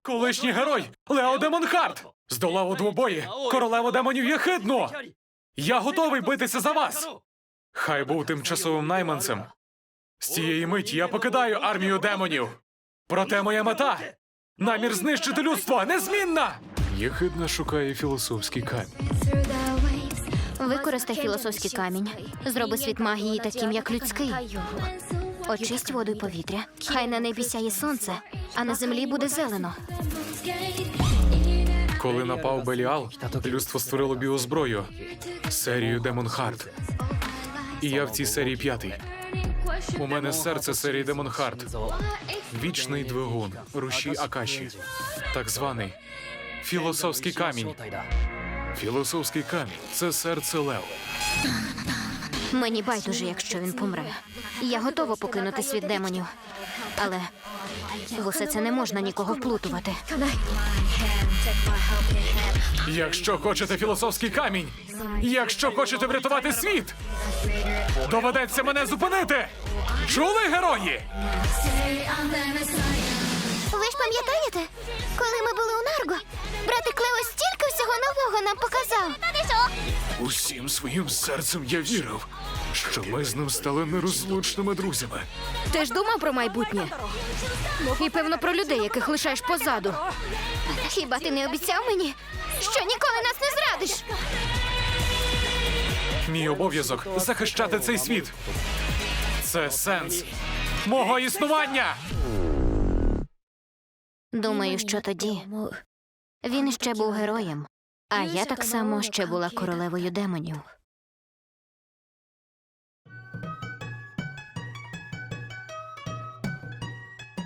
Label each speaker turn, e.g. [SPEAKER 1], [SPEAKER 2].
[SPEAKER 1] Колишній герой Лео Демонхард здолав у двобої королеву демонів Єхидну. Я готовий битися за вас. Хай був тимчасовим найманцем. З цієї миті я покидаю армію демонів. Проте моя мета – намір знищити людство незмінна! Єхидна шукає філософський камінь.
[SPEAKER 2] Використай філософський камінь. Зроби світ магії таким, як людський. Очисть воду й повітря. Хай на небі сяє сонце, а на землі буде зелено.
[SPEAKER 1] Коли напав Беліал, людство створило біозброю – серію Демонхард. І я в цій серії 5-й. У мене серце серії Демонхард. Вічний двигун, рушій Акаші. Так званий філософський камінь. Філософський камінь – це серце Лео.
[SPEAKER 2] Мені байдуже, якщо він помре. Я готова покинути світ демонів. Але в усе це не можна нікого вплутувати.
[SPEAKER 1] Якщо хочете філософський камінь, якщо хочете врятувати світ, доведеться мене зупинити! Чули, герої?
[SPEAKER 2] Ви ж пам'ятаєте, коли ми були у Нарго, братик Лео стільки всього нового нам показав.
[SPEAKER 1] Усім своїм серцем я вірив, що ми з ним стали нерозлучними друзями.
[SPEAKER 2] Ти ж думав про майбутнє? І, певно, про людей, яких лишаєш позаду. Хіба ти не обіцяв мені, що ніколи нас не зрадиш?
[SPEAKER 1] Мій обов'язок – захищати цей світ. Це сенс мого існування!
[SPEAKER 2] Думаю, що тоді він ще був героєм, а я так само ще була королевою демонів.